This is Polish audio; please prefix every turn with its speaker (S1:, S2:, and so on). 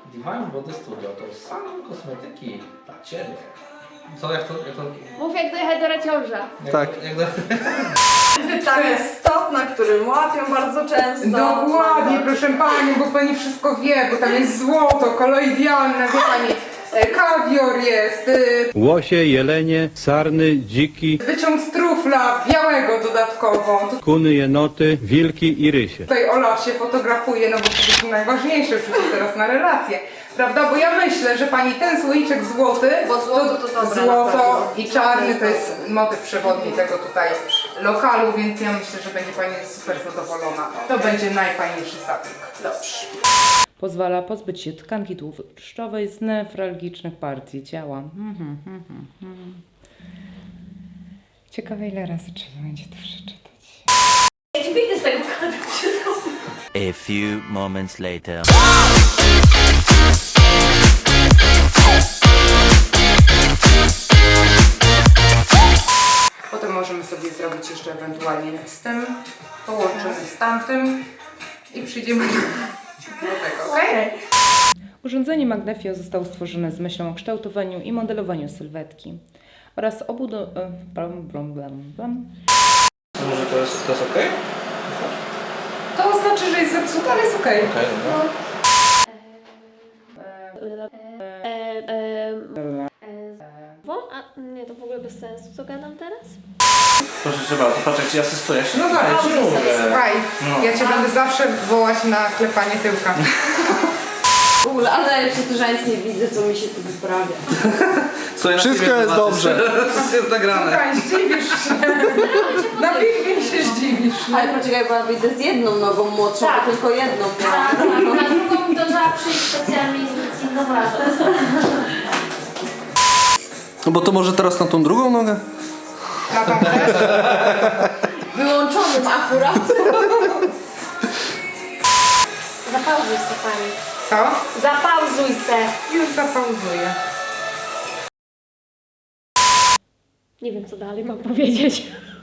S1: Divine Body Studio to same kosmetyki dla Ciebie. Co, jak to...
S2: Mów jak dojechać do Raciąża.
S3: Tak.
S4: Tam jest stop, na którym łapią bardzo często.
S5: Dokładnie, proszę pani, bo pani wszystko wie, bo tam jest złoto, koloidialne, wie pani, kawior jest,
S6: Łosie, jelenie, sarny, dziki,
S5: wyciąg z trufla, białego dodatkowo.
S6: kuny, jenoty, wilki i rysie.
S5: Tutaj Ola się fotografuje, no bo to jest najważniejsze przecież teraz na relacje. Prawda? Bo ja myślę, że pani ten słoiczek złoty,
S4: Bo złoto to dobre,
S5: złoto
S4: naprawdę.
S5: i czarny to jest motyw przewodni tego tutaj lokalu, więc ja myślę, że będzie pani super zadowolona. To będzie najfajniejszy zabieg. Dobrze.
S7: Pozwala pozbyć się tkanki tłuszczowej z newralgicznych partii ciała. Ciekawe, ile razy trzeba będzie to przeczytać.
S2: Ja ci wyjdę z tego kadru.
S8: A few moments later.
S5: Potem możemy sobie zrobić jeszcze ewentualnie z tym, połączymy z tamtym i przyjdziemy do tego, okej?
S7: Urządzenie Magnefio zostało stworzone z myślą o kształtowaniu i modelowaniu sylwetki oraz
S1: Może to jest okej?
S5: To znaczy, że jest zepsute, ale jest okej.
S1: Okej, dobra.
S2: A nie, to w ogóle bez sensu, co gadam teraz?
S1: Proszę cię bardzo, patrz jak ci asystuję.
S5: No
S1: Ja
S5: dobra,
S1: ci mówię.
S5: słuchaj,
S1: No.
S5: ja cię będę zawsze wołać na klepanie tyłka.
S4: W ogóle, ale najlepsze to, że ja nic nie widzę, co mi się tu wyprawia.
S1: Słuchaj, na
S3: Wszystko
S1: filmie
S3: jest
S1: zobaczysz.
S3: dobrze.
S1: Wszystko jest nagrane.
S5: Słuchaj, zdziwisz się. Na filmie się zdziwisz.
S4: Ale poczekaj, bo ja wyjdę z jedną nogą młodszą,
S2: Tak.
S4: bo tylko jedną
S2: Tak,
S4: miałam.
S2: na drugą to trzeba przyjść specjalnie z inną razą.
S3: No bo to może teraz na tą drugą nogę?
S5: Na tą też?
S4: Wyłączonym akurat.
S2: Zapauzuj se pani.
S5: Co?
S2: Zapauzuj se.
S5: Już zapauzuję.
S2: Nie wiem co dalej mam powiedzieć.